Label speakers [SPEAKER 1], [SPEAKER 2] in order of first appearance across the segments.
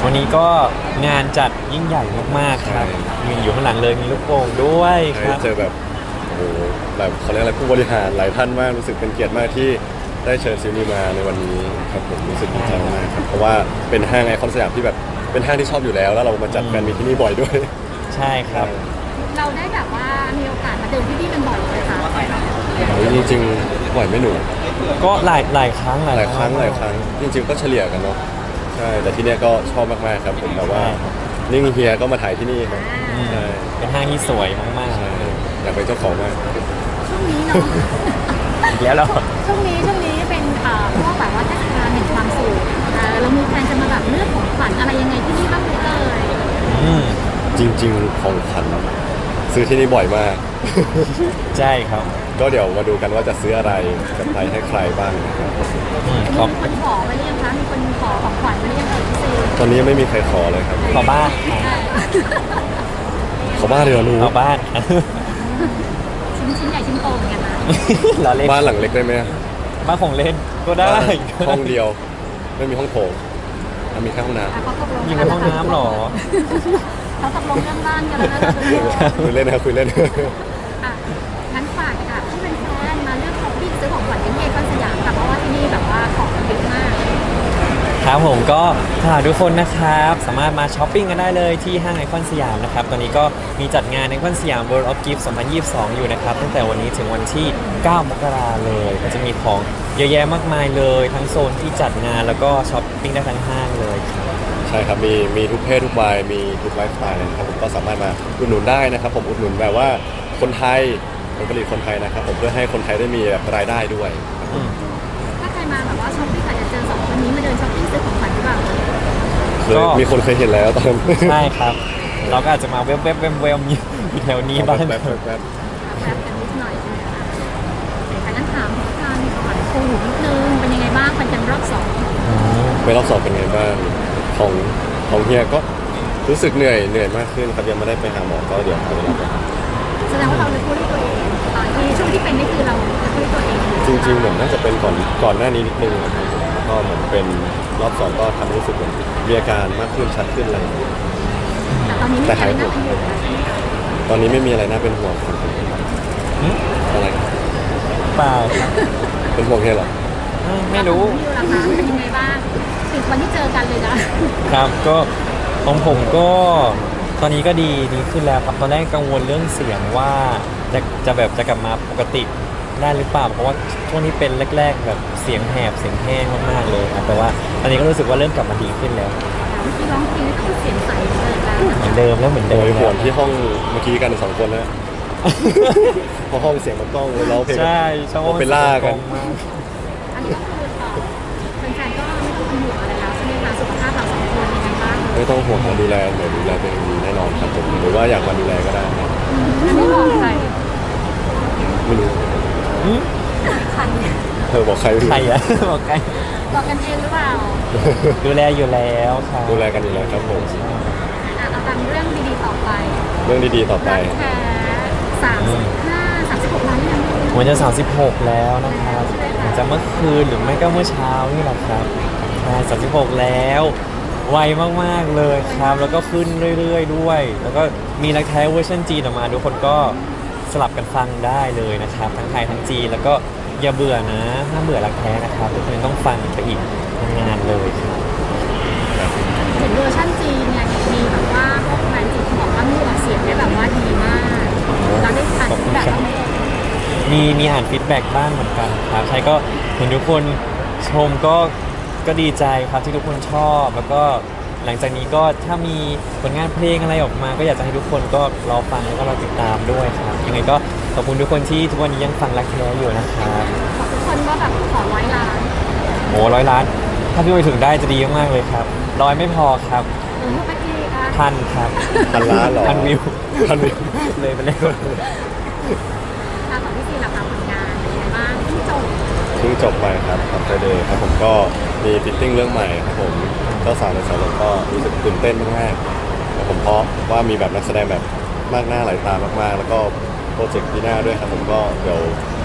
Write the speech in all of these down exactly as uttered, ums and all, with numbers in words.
[SPEAKER 1] วันนี้ก็งานจัดยิ่งใหญ่มากๆครับมีอยู่ข้างหลังเลยมีลูกโป่งด้วยค
[SPEAKER 2] ใช่
[SPEAKER 1] รับ
[SPEAKER 2] เจอแบบโอ้โหแบบเขาเรียกอะไรผู้บริหารหลายท่านมากรู้สึกเป็นเกียรติมากที่ได้เชิญซิลนีมาในวันนี้ครับผมรู้สึกดีใจมากครับเพราะว่าเป็นห้างไอคอนสยามที่แบบเป็นห้างที่ชอบอยู่แล้ว แล้วเรามาจัดแฟนมีตที่นี่บ่อยด้วย
[SPEAKER 1] ใช่ครับ
[SPEAKER 3] เราได้แบบว่ามีโอกาสมาเดินที่นี่กันบ่อยเลยค่ะ
[SPEAKER 2] โอ้ยจริงๆบ่อยไหม่หนู
[SPEAKER 1] ก็หลายหลายครั้ง
[SPEAKER 2] หลายครั้งหลายครั้งจริงๆก็เฉลี่ยกันเนาะใช่แต่ที่เนี้ยก็ชอบมากๆครับผมแบบว่านิ่งเฮียก็มาถ่ายที่นี่ครับ
[SPEAKER 1] อืม
[SPEAKER 2] ใช่
[SPEAKER 1] เป็นห้างที่สวยมาก
[SPEAKER 2] ใช่อยากเป็นเจ้าของมาก
[SPEAKER 3] ช่วงนี้เนาะ
[SPEAKER 1] ๆแล้วเรา
[SPEAKER 3] ช่วงนี้ช่วงนี้เป็นเอ่อพวกแบบว่าเทศกาลแห่งความสุขเอ่อเรามีแพลนจะมาแบบเลือกของขวัญอะไรยังไงที่นี่บ้างไหมเอ่ย
[SPEAKER 1] อืม
[SPEAKER 2] จริงๆของขวัญซื้อที่นี่บ่อยมาก
[SPEAKER 1] ใช่ครับ
[SPEAKER 2] ก็เดี๋ยวมาดูกันว่าจะซื้ออะไรกับใครให้ใครบ้างนะครับ
[SPEAKER 1] อืมข
[SPEAKER 3] มี
[SPEAKER 1] อบ
[SPEAKER 3] คนขอไว้หรือยังคะมีคนขอของขวัญไว้หรือยังเอ่ยพี่ซี
[SPEAKER 2] ตอนนี้ยังไม่มีใครขอเลยครับ
[SPEAKER 1] ขอบ้านครับ
[SPEAKER 2] ขอบ้านเดี๋ยวหนู
[SPEAKER 1] ขอบ้าน
[SPEAKER 3] ชิ้นชิ้นใหญ่ชิ้นโตเหมือนกันนะ
[SPEAKER 1] เราเล่น
[SPEAKER 2] บ้านหลังเล็กได้ไหม
[SPEAKER 1] บ้านของเล่นก็ได้
[SPEAKER 2] ห้องเดียว ไม่มีห้องโถงอ่ะมีแค่ห้องน้
[SPEAKER 3] อ่ะเขาตกลง
[SPEAKER 1] ยิงในห้องน้ำเหรอ
[SPEAKER 3] เขาตกลงเรื่องบ้านกันแล้วนะเราเป็น
[SPEAKER 2] ำคุยเล่นนะครับคุยเล่น
[SPEAKER 3] อ่ะงั้นฝากค่ะที่เป็นแฟนมาเลือกช้อปปิ้งซื้อของขวัญที่เมกอนสยามค่ะเพราะว่าที่นี่แบบว่าของมันเยอะมาก
[SPEAKER 1] ครับผมก็ฝากทุกคนนะครับ สามารถมาช้อปปิ้งกันได้เลยที่ห้างไอคอนสยามนะครับ ตอนนี้ก็มีจัดงานไอคอนสยาม World of Gift สองพันยี่สิบสอง อยู่นะครับ ตั้งแต่วันนี้ถึงวันที่ เก้ามกราเลย ก็จะมีของเยอะแยะมากมายเลย ทั้งโซนที่จัดงานแล้วก็ช้อปปิ้งได้ทั้งห้างเลยครับ
[SPEAKER 2] ใช่ครับมีมีทุกเพศทุกวัยมีทุกไลฟ์สไตล์เลยนะครับผมก็สามารถมาอุดหนุนได้นะครับผมอุดหนุนแบบว่าคนไทยผลผลิตคนไทยนะครับผมเพื่อให้คนไทยได้มีแบบรายได้ด้วย
[SPEAKER 1] อืม
[SPEAKER 3] ถ้าใครมาแบบว่าช้อปปิ้งอาจจะเจอสองคนนี้มาเดินช้อปปิ้งซื้อของขวัญหรือเปล่า
[SPEAKER 2] เคยมีคนเคยเห็นแล้วตอนนั้น
[SPEAKER 1] ใช่ครับ เราก็อาจจะมาเว็บเว็บเว็บเว็บอยู่แถวนี้บ้าง
[SPEAKER 2] แบบแบบแบบ
[SPEAKER 3] แป๊บกันนิดหน่อยใช่ไหมคะแต่งั้นถามการขวัญโควิดนิดนึงเป็นยังไงบ้างฟันกันรอบสอง
[SPEAKER 2] ไปรอบสอบเป็นไงบ้างของของเฮียก็รู้สึกเหนื่อยเหนื่อยมากขึ้นครับยังไม่ได้ไปหาหมอก็เดี๋ยวหาเวลาไปหา
[SPEAKER 3] แสดงว่าเราเลยพูดด้วยตัวเองตอนที่ช่วงที่เป็นนี่คือเราพูดด้วยตัวเอง
[SPEAKER 2] จริงๆเหมือนน่าจะเป็นก่อนก่อนหน้านี้นิดนึงนะครับก็เหมือนเป็นรอบสองก็ทำให้รู้สึกเหมือนมีอาการมากขึ้นชัดขึ้นอะไรอย่างเงี้ย
[SPEAKER 3] แต่ตอนนี้ไม่
[SPEAKER 2] แต่
[SPEAKER 3] ใช่
[SPEAKER 2] หาย
[SPEAKER 3] น่าเป็นห่วงแล้ว
[SPEAKER 2] ตอนนี้ไม่มีอะไรน่าเป็นห่วงครับ
[SPEAKER 1] อืม
[SPEAKER 2] อะไร
[SPEAKER 1] เปล่าครับ
[SPEAKER 2] เป็นห่วงเฮียเหรอ
[SPEAKER 1] อืมไม่รู้
[SPEAKER 3] พี่ล่ะคะเป็นยังไงบ้างถึงวันที่เจอกันเลยนะครับ
[SPEAKER 1] ก็ของผมก็ตอนนี้ก็ดีดีขึ้นแล้วครับตอนแรกกังวลเรื่องเสียงว่าจะจะแบบจะกลับมาปกติได้หรือเปล่าเพราะว่าช่วงนี้เป็นแรก ๆ แบบเสียงแหบเสียงแห้งมากๆเลยครับแต่ว่าตอนนี้ก็รู้สึกว่าเริ่มกลับมาดีขึ้นแล้ว
[SPEAKER 3] พี่ร้องเพลงก็คือเสียงใสเลยนะ
[SPEAKER 1] เหมือนเดิมแล้วเหมือน
[SPEAKER 2] โด
[SPEAKER 1] เดิม
[SPEAKER 2] ยห่วง
[SPEAKER 1] แล้ว
[SPEAKER 2] ที่ห้องเมื่อกี้กันสองคนนะเพราะห้องเสียงมันกล้องเลยร้องเพลง
[SPEAKER 1] ใช่ชอบ
[SPEAKER 2] โอเปร่ากัน
[SPEAKER 1] มาก
[SPEAKER 3] อันนี้ก็คือเอ่อแฟนๆก็ไม่ต้องเป็นห่วงอะไรแล้วใช่ไหมคะสุขภาพเราสองคนยังไงบ้าง
[SPEAKER 2] ไม่ต้องห่วงการดูแลเดี๋ยวดูแลตัวเองดีแน่นอนครับผมหรือว่าอยากมาดูแลก็ได้นะ
[SPEAKER 3] อันนี้บอกใคร
[SPEAKER 2] ไม่รู้
[SPEAKER 1] อืม
[SPEAKER 3] ใคร
[SPEAKER 2] เธอบอกใครไม่รู้
[SPEAKER 1] ใครอะ บอกใคร
[SPEAKER 3] บอกกันเองหรือเปล่า
[SPEAKER 1] ดูแลอยู่แล้วครับ
[SPEAKER 2] ดูแลกันอยู่แล้วครับผม
[SPEAKER 3] อ่ะเอาตามเรื่องดีๆต่อไป
[SPEAKER 2] เรื่องดีๆต่อไป
[SPEAKER 3] รักแท้สามสิบห้าสามสิบหกล้านยัง
[SPEAKER 1] วันจะสามสิบหกแล้วนะครับอาจจะเมื่อคืนหรือไม่ก็เมื่อเช้านี่แหละครับใช่สามสิบหกแล้วไวมากๆเลยครับ แล้วก็ขึ้นเรื่อยๆด้วย แล้วก็มีรักแท้เวอร์ชันจีนออกมาทุกคนก็สลับกันฟังได้เลยนะครับ ทั้งไทยทั้งจีนแล้วก็อย่าเบื่อนะห้ามเบื่อรักแท้นะครับทุกคนต้องฟังไปอีกนานๆเลยครับ
[SPEAKER 3] เห็นเวอร์ชันจีนเนี่ยมีแบบว่าพวกแฟนจีนเขาบอกว่ามีออกเสียงได้แบบว่าดีมากเราได้อ่านแบบว่า
[SPEAKER 1] มีมีอ่านฟีดแบ็กบ้างเหมือนกันครับใช่ก็เห็นทุกคนชมก็ก็ดีใจครับที่ทุกคนชอบ แล้วก็หลังจากนี้ก็ถ้ามีผลงานเพลงอะไรออกมา ก็อยากจะให้ทุกคนก็รอฟังแล้วก็รอติดตามด้วยครับยังไงก็ขอบคุณทุกคนที่ทุกวันนี้ยังฟังรักแท้อยู่นะครับ
[SPEAKER 3] บอกทุกคนว่าแบบขอร้อยล้าน
[SPEAKER 1] โอ้ร้อยล้าน ถ้าพี่ไปถึงได้จะดีมากๆเลยครับร้อยไม่พอครับ
[SPEAKER 3] หรือไปทีอ่ะ
[SPEAKER 1] พันครับ
[SPEAKER 2] พันล้านเหรอ
[SPEAKER 1] พันวิว
[SPEAKER 2] พันวิว
[SPEAKER 1] เลยไปเลย
[SPEAKER 3] ทางของพี่ซีราคาผลงานเป็นยังไงบ้างที่จบ
[SPEAKER 2] เพิ่งจบไปครับขับไฟเดย์ครับผมก็มีฟิตติ้งเรื่องใหม่ครับผมเจ้าสาวในสายลมก็รู้สึกตื่นเต้นมากๆครับผมเพราะว่ามีแบบนักแสดงแบบมากหน้าหลายตามากๆ แล้วก็โปรเจกต์ปีหน้าด้วยครับผมก็เดี๋ยวร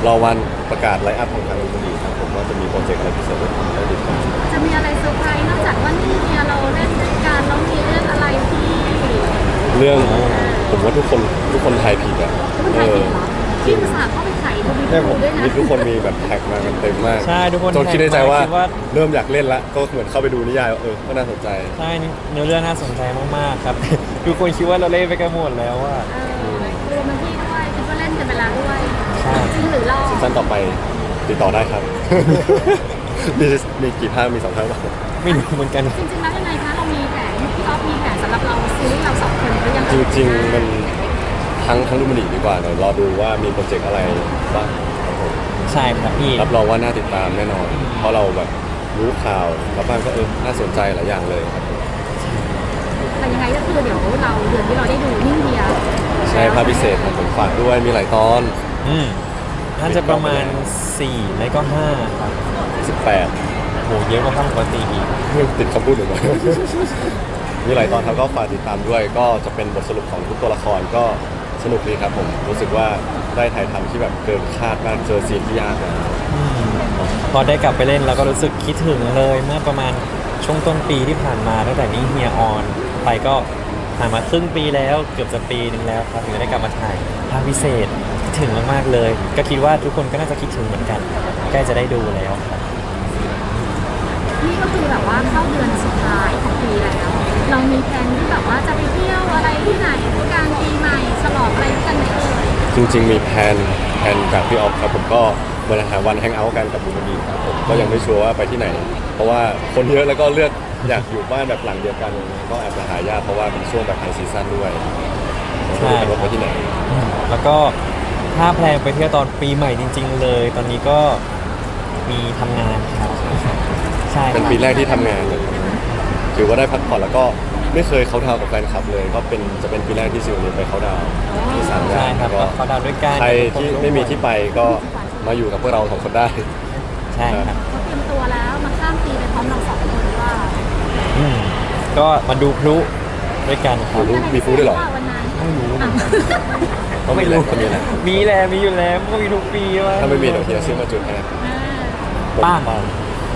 [SPEAKER 2] รอวันประกาศไลฟ์อัพของทางดนตรีครับผมว่าจะมีโปรเจกต์อะไรพิเศษให้ติดตาม
[SPEAKER 3] จะมีอะไรเซอร์ไพรส์นอกจากว่านี่เนี่ยเราเล่นด้วยกันแล้วมีเรื่องอะไรที่
[SPEAKER 2] เรื่องผมว่าทุกคนทุกคนทายผิดอ่ะ
[SPEAKER 3] คุณ
[SPEAKER 2] เอ
[SPEAKER 3] ไทย
[SPEAKER 2] อ
[SPEAKER 3] ผิดเหรอที่อุตส่าห์เข้าไปไขดู
[SPEAKER 2] ใช่ผม
[SPEAKER 3] ด้วยนะ
[SPEAKER 2] มีทุกคนมีแบบแท็กมากันเต็มมาก
[SPEAKER 1] ใช่ทุกคน
[SPEAKER 2] จนคิดในใจว่า
[SPEAKER 1] คิดว่า
[SPEAKER 2] เริ่มอยากเล่นละก็เหมือนเข้าไปดูนิยายว่าเออก็น่าสนใจ
[SPEAKER 1] ใช่เนื้อเรื่องน่าสนใจมากๆครับ ทุกคนคิดว่าเราเล่นไปกันหมดแล้วว่า
[SPEAKER 3] เออรวมทั้งที่ด้วยคิดว่าเล่นกันไปแล้วด้วย
[SPEAKER 1] ใช่
[SPEAKER 3] จริงหรือรอ
[SPEAKER 2] ซีซั่นต่อไปติดต่อได้ครับ มีมีกี่ภาคมีสองภาคป่ะ
[SPEAKER 1] ไม่รู้เหมือนกัน
[SPEAKER 3] จริงๆแล้วยังไงคะเรามีแผนพี่ออฟมีแผนสำหรับเราซีรีส์เราสองคนหรือยัง
[SPEAKER 2] จริงๆมันทั้งทั้งดูมันดีดีกว่าเดี๋ยวรอดูว่ามีโปรเจกต์อะไรบ้างครับผม
[SPEAKER 1] ใช่ครับพี่
[SPEAKER 2] รับรองว่าน่าติดตามแน่นอน เพราะเราแบบรู้ข่าวแล้วบ้างก็เออน่าสนใจหลายอย่างเลยครับผม
[SPEAKER 3] แต่ยังไงก็คือเดี๋ยวเราเดือนที่เราได้ดูนิ่งเดียว
[SPEAKER 2] ใช่ภาพพิเศษครับผมฝากด้วยมีหลายตอน
[SPEAKER 1] อืมน่าจะประมาณสี่ไม่ก็ห้าครับ
[SPEAKER 2] สิบแปด
[SPEAKER 1] โหเยอะกว่าภาคปกติอีก
[SPEAKER 2] ติดคำพูดหนึ่ง มีหลายตอนครับก็ฝากติดตามด้วย ก็จะเป็นบทสรุปของทุกตัวละครก็สนุกดีครับผมรู้สึกว่าได้ถ่ายทำที่แบบเกินคาดมากเจอซีนที่ยากนะ
[SPEAKER 1] อืมพอได้กลับไปเล่นเราก็รู้สึกคิดถึงเลยเมื่อประมาณช่วงต้นปีที่ผ่านมาตั้งแต่นี้เฮียออนไปก็ผ่านมาครึ่งปีแล้วเกือบจะปีหนึ่งแล้วครับถึงได้กลับมาถ่ายภาคพิเศษคิดถึงมากๆเลย ก็คิดว่าทุกคนก็น่าจะคิดถึงเหมือนกันใกล้จะได้ดูแล้วครับ
[SPEAKER 3] นี่ก็คือแบบว่าเข้าเดือนสุดท้ายของปีแล้ว เรามีแผนที่แบบว่าจะไปเที่ยวอะไรที่ไหนกลางปีใหม่ฉลองอะไรกันไหมเอ่ย
[SPEAKER 2] จริงๆมีแผนแผนจากพี่ออฟครับผมก็มาหาวันแฮงเอาท์กันกับบุญมีครับผมก็ยังไม่ชัวร์ว่าไปที่ไหน เพราะว่าคนเยอะแล้วก็เลือกอยากอยู่บ้านแบบหลังเดียวกันก็แอบจะหายากเพราะว่าเป็นช่วงแบบไฮซีซั่นด้วย
[SPEAKER 1] ใช่
[SPEAKER 2] ไม่รู้จะไปที่ไหน
[SPEAKER 1] อืมแล้วก็ถ้าแพลนไปเที่ยวตอนปีใหม่จริง ๆ เลย ตอนนี้ก็มีทำงานครับ ใช่
[SPEAKER 2] เป็นปีแรกที่ทำงานเลยถือว่าได้พักผ่อนแล้วก็ไม่เคยเขาดาวน์กับแฟนคลับเลย ก็เป็นจะเป็นปีแรกที่ซิวนี่ไปเขาดาวน์ที่สามงา
[SPEAKER 1] ใช่
[SPEAKER 2] น
[SPEAKER 1] ครับ
[SPEAKER 2] ก็
[SPEAKER 1] เขาดาวน์ด้วยกัน
[SPEAKER 2] ใครที่ไม่มีที่ไปก็มาอยู่กับพวกเราสองคนได้
[SPEAKER 1] ใช่ครับ
[SPEAKER 3] เขาเตรียมตัวแล้วมาข้ามปีไปพร้อมเราสองคนว่า
[SPEAKER 1] อืมก็มาดูพลุด้วยกันครับ
[SPEAKER 2] รู้มีฟู้ดด้วยเหรอ
[SPEAKER 3] วันนั้น
[SPEAKER 1] ไม่รู้เหมื
[SPEAKER 3] อ่ะ
[SPEAKER 1] อนกัน
[SPEAKER 2] ก็มีแหละก็มีแหละ
[SPEAKER 1] มีแหละมีอยู่แล้วก็มีทุกปีว่า
[SPEAKER 2] ถ้าไม่มีเดี๋ยวเฮียซื้อมาจุดให้
[SPEAKER 3] อ่า
[SPEAKER 1] ป้าง
[SPEAKER 2] ปัง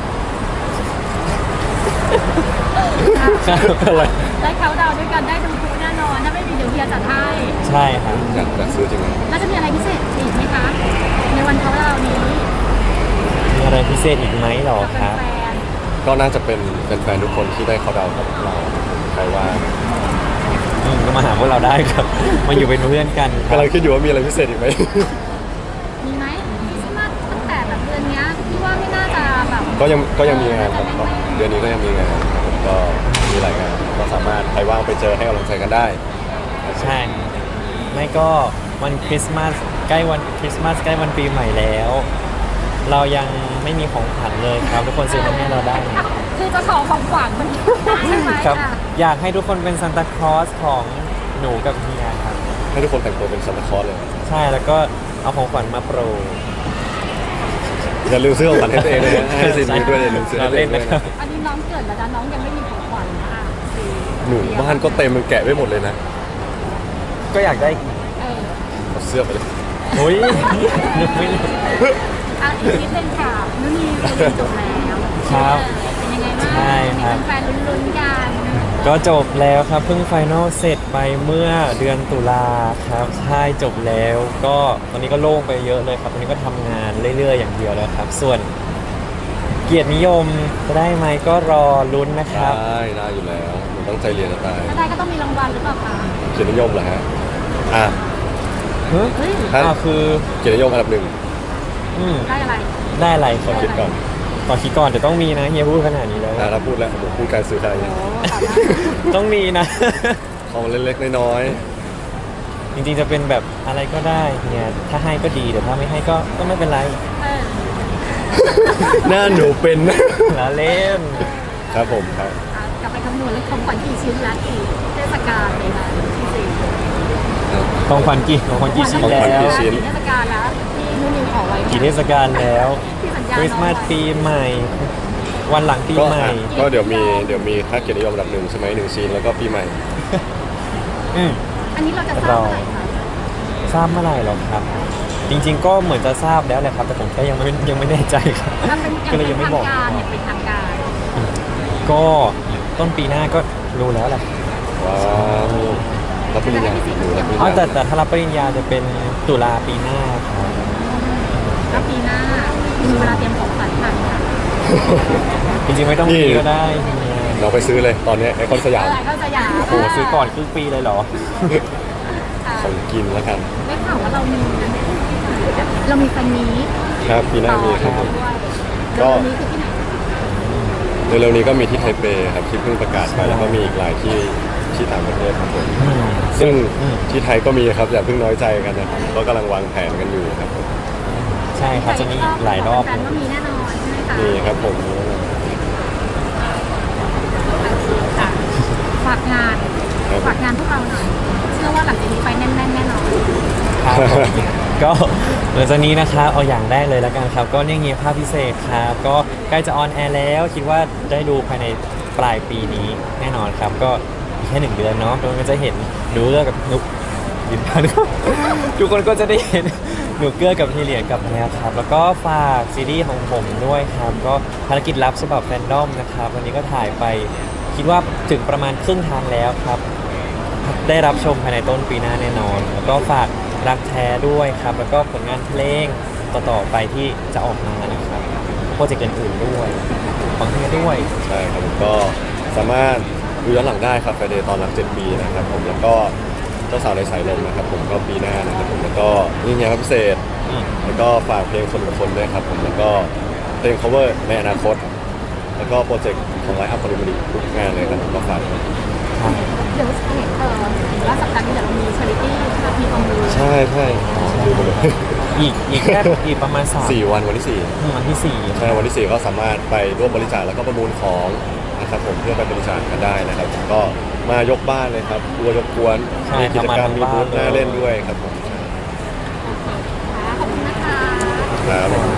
[SPEAKER 1] ครับอะไร
[SPEAKER 3] ได้เขาดาวน์ด้วยกันได้ดูทุกแน่นอนถ้าไม่มีเดี๋ยวเฮียจัดให้
[SPEAKER 1] ใช่ครับ
[SPEAKER 2] อยากอยากซื้อจริงไหม
[SPEAKER 3] แล้วจะมีอะไรพิเศษอีกไหมคะ ในวันเขาดาวน์นี้
[SPEAKER 1] มีอะไรพิเศษอีกไหมหรอ
[SPEAKER 3] กับ
[SPEAKER 1] ครับ
[SPEAKER 3] แฟน
[SPEAKER 2] ก็น่าจะเป็นแฟนๆทุกคนที่ได้เขาดาวน์กับเราใครว่า
[SPEAKER 1] อืมก็มาหาพวกเราได้ครับ มาอยู่เป็นเพื่อนกันครั
[SPEAKER 2] กำลั
[SPEAKER 1] บ
[SPEAKER 2] งคิดอยู่ว่ามีอะไรพิเศษอีกไหม
[SPEAKER 3] ๆมีไหมคริสต์มาสตั้งแต่แบบเดือนเนี้ยพี่ว่าไม่น่าจะแบบ
[SPEAKER 2] ก็ยังก็ยังมีงานครับก็เดือนนี้ก็ยังมีงานครับผมก็มีหลายงานก็สามารถใครว่างไปเจอให้กำลังใจกันได้
[SPEAKER 1] ใช่ ไม่ก็วันคริสต์มาสใกล้วันคริสต์มาสใกล้วันปีใหม่แล้ว เรายังไม่มีของขวัญเลยครับ ทุกคนซื้อมาให้เราได้
[SPEAKER 3] คือจะขอของขวัญมันใช่ไหม
[SPEAKER 1] ครับ
[SPEAKER 3] อ่ะ
[SPEAKER 1] อยากให้ทุกคนเป็นซานตาคลอสของหนูกับเฮียครับ
[SPEAKER 2] ให้ทุกคนแต่งตัวเป็นซานตาคลอสเลย
[SPEAKER 1] ใช่แล้วก็เอาของขวัญมาโปรย
[SPEAKER 2] อย่าลืมซื้อของขวัญให้ตัวเองเลยนะให้ซินนี้ด้วยอย่าลืมซื้อให้ตัวเองด้วยนะ
[SPEAKER 3] อันนี้น้องเกิดแล้วนะน้องยังไม่มีของขวัญนะอ่ะคือ
[SPEAKER 2] หนูบ้านก็เต็มมันแกะไว้หมดเลยนะ
[SPEAKER 1] ก็อยากได้อีก
[SPEAKER 3] เออ
[SPEAKER 2] เอาเสื้อไปเลย
[SPEAKER 1] โอ้ยนึกไม่เลย
[SPEAKER 3] อ่ะอีกนิดนึงค่ะนุ่นนี่เรียนจบแล้ว
[SPEAKER 1] ครับ
[SPEAKER 3] เป็นยังไงบ้าง
[SPEAKER 1] ใช่ครับ
[SPEAKER 3] มีแฟนๆลุ้นๆกัน
[SPEAKER 1] ก็จบแล้วครับเพิ่งไฟนอลเสร็จไปเมื่อเดือนตุลาครับใช่จบแล้ว ก็ตอนนี้ก็โล่งไปเยอะเลยครับตอนนี้ก็ทำงานเรื่อยๆอย่างเดียวแล้วครับ ส่วนเกียรตินิยมจะได้ไหมก็รอลุ้นนะครับ
[SPEAKER 2] ได้ได้อยู่แล้วหนูตั้งใจเรียนจะตาย
[SPEAKER 3] ถ้าได้ก็ต้องมีรางวัลหรือเปล่าคะ
[SPEAKER 2] เกียรตินิยมเหรอฮะอ่ะ
[SPEAKER 1] เฮ้ย
[SPEAKER 3] เฮ้ย
[SPEAKER 2] ครับ
[SPEAKER 1] อ่าคือ
[SPEAKER 2] เกียรตินิยมอันดับหนึ่ง
[SPEAKER 1] อืม
[SPEAKER 3] ได้อะไร
[SPEAKER 1] ได้อะไร
[SPEAKER 2] ขอคิดก่อน
[SPEAKER 1] ขอคิดก่อนแต่ต้องมีนะเฮียพูดขนาดนี้แล้ว
[SPEAKER 2] อ่ะถ้าพูดแล้วผมพูดการซื้อขาย
[SPEAKER 3] โอ้ขอได้
[SPEAKER 1] ต้องมีนะ
[SPEAKER 2] ของเล็กๆน้อย
[SPEAKER 1] จริงๆจะเป็นแบบอะไรก็ได้เฮียถ้าให้ก็ดีแต่ถ้าไม่ให้ก็ก็ไม่เป็นไร
[SPEAKER 3] เออ
[SPEAKER 2] ๆหน้าหนูเป็น
[SPEAKER 1] ละเล่น
[SPEAKER 2] ครับผมครับ
[SPEAKER 3] อ่ะกลับไปคำนวณแล้วของขวัญกี่ชิ้นละกี่เทศกาลเลยนะที่สี่
[SPEAKER 1] ของขวัญกี่ของขวัญกี่ชิ้น
[SPEAKER 2] ของ
[SPEAKER 1] แล้
[SPEAKER 2] ขวัญ
[SPEAKER 1] ว
[SPEAKER 2] กี่ชิ้น
[SPEAKER 3] กี่เทศกาลแล้วที่นุ่นนิวขอไว้
[SPEAKER 1] กี่เทศกาลแล้ว
[SPEAKER 3] ที่สัญญา
[SPEAKER 1] คริสต์มาส
[SPEAKER 3] น้องไว้
[SPEAKER 1] ปีใหม่ วันหลังปี
[SPEAKER 2] ก็
[SPEAKER 1] ใหม่
[SPEAKER 2] อ่ะก็เดี๋ยวมีเดี๋ยวมีค่าเกียรตินิยมอันดับหนึ่งใช่ไหมหนึ่งชิ้นแล้วก็ปีใหม่
[SPEAKER 1] อืม
[SPEAKER 3] อันนี้เราจะทราบเมื่อไหร่คะ
[SPEAKER 1] ทราบเมื่อไหร่หรอครับจริง ๆ ก็เหมือนจะทราบแล้วแหละครับ แต่ผมแค่ยังไม่ยังไม่แน่ใจครับ
[SPEAKER 3] ถ้าเป็นอย่าง
[SPEAKER 1] ก็เลย
[SPEAKER 3] เป็
[SPEAKER 1] ยั
[SPEAKER 3] น
[SPEAKER 1] งไม่
[SPEAKER 3] ทาง
[SPEAKER 1] บอก
[SPEAKER 3] การเนี่ยเป็นทางการ
[SPEAKER 1] ก็ต้นปีหน้าก็รู้แล้วแหละ
[SPEAKER 2] ว้าวรับปริญญาปีหนูรับปริญ
[SPEAKER 1] อ๋อ
[SPEAKER 2] ญา
[SPEAKER 1] แต่แต่ถ้ารับปริญญาจะเป็นตุลาปีหน้าครับ
[SPEAKER 3] แล้วปีหน้ามีเวลาเตรียมของขวัญทันค่ะ
[SPEAKER 1] จริงๆไม่ต้องมีก็ได้เฮีย
[SPEAKER 2] เราไปซื้อเลยตอนนี้ไอคอนสยาม
[SPEAKER 3] เออก็จะอยาก
[SPEAKER 1] โอ้โหซื้อก่อนครึ่งปีเลยเหรอ
[SPEAKER 3] ค่ะ
[SPEAKER 2] ของกินแล้วกัน
[SPEAKER 3] ได้ข่าวว่าเรามีเรามีแฟนมีต
[SPEAKER 2] ครับปีหน้ามีครับผม
[SPEAKER 3] ด้วย
[SPEAKER 2] ก็
[SPEAKER 3] แล้ววันนี้คือที่ไหน
[SPEAKER 2] เร็วๆนี้ก็มีที่ไทเปครับที่เพิ่งประกาศไปแล้วก็มีอีกหลายที่ที่ต่างประเทศครับผม
[SPEAKER 1] อืม
[SPEAKER 2] ซึ่ง
[SPEAKER 1] อืม
[SPEAKER 2] ที่ไทยก็มีครับอย่าเพิ่งน้อยใจกันนะครับก็กำลังวางแผนกันอยู่ครับผม
[SPEAKER 1] ใช่ครับจะมีอีกหลายรอบ
[SPEAKER 3] แฟนๆก็มีแน่นอนใช่ไหมคะ
[SPEAKER 2] มีครับผม
[SPEAKER 3] ค่ะฝากงานฝากงานพวกเราหน่อยเชื่อว่าหลังจากนี้ไปแน่นๆแน่นอน
[SPEAKER 1] ครับผมก็หลังจากนี้นะครับเอาอย่างแรกเลยแล้วกันครับ ก็เนี่ยเงียภาพพิเศษครับ ก็ใกล้จะออนแอร์แล้ว คิดว่าได้ดูภายในปลายปีนี้แน่นอนครับ ก็อีกแค่หนึ่งเดือนเนาะทุกคนก็จะเห็นหนูเลือกกับนุกยืนยันครับ ทุกคนก็จะได้เห็นหนูเกื้อกับทีเหลียนกับแพรครับ แล้วก็ฝากซีรีส์ของผมด้วยครับ ก็ภารกิจลับฉบับแฟนดอมนะครับวันนี้ก็ถ่ายไป คิดว่าถึงประมาณครึ่งทางแล้วครับ ได้รับชมภายในต้นปีหน้าแน่นอน แล้วก็ฝากรักแท้ด้วยครับ แล้วก็ผลงานเพลงต่อๆไปที่จะออกมานะครับโปรเจกต์อื่นๆด้วยของเฮียด้วย
[SPEAKER 2] ใช่ครับผมก็สามารถดูย้อนหลังได้ครับไฟเดย์ตอนรักเจ็ดปีนะครับผมแล้วก็เจ้าสาวในสายลมนะครับผมก็ปีหน้านะครับผมแล้วก็นี่ไงครับพิเศษ
[SPEAKER 1] อืม
[SPEAKER 2] แล้วก็ฝากเพลงคนกับคนด้วยครับผมแล้วก็เพลง cover ในอนาคต แล้วก็โปรเจกต์ของไลฟ์อัพคอมมิชทุกงานเลยครับผมก็ฝาก
[SPEAKER 1] ครับ
[SPEAKER 3] เดี๋ยวเห็นเออเห็นว่าสัปดาห์นี้เดี๋ยวเรามีชาริตี้เรามีความรู้
[SPEAKER 2] ใช่ใช่ดูไปเลย
[SPEAKER 1] อีกอีกแค่อีกประมาณสาม
[SPEAKER 2] สี่วันวันที่สี่
[SPEAKER 1] อืมวันที่สี่
[SPEAKER 2] ใช่วันที่สี่ก็สามารถไปร่วมบริจาคแล้วก็ประมูลของนะครับผมเพื่อไปบริจาคกันได้นะครับผมก็มายกบ้านเลยครับกลัวยกกวนมีกิจกรรมมีบูธน่าเล่นด้วยครับผม
[SPEAKER 3] ขอบคุณนะคะ
[SPEAKER 2] ครับ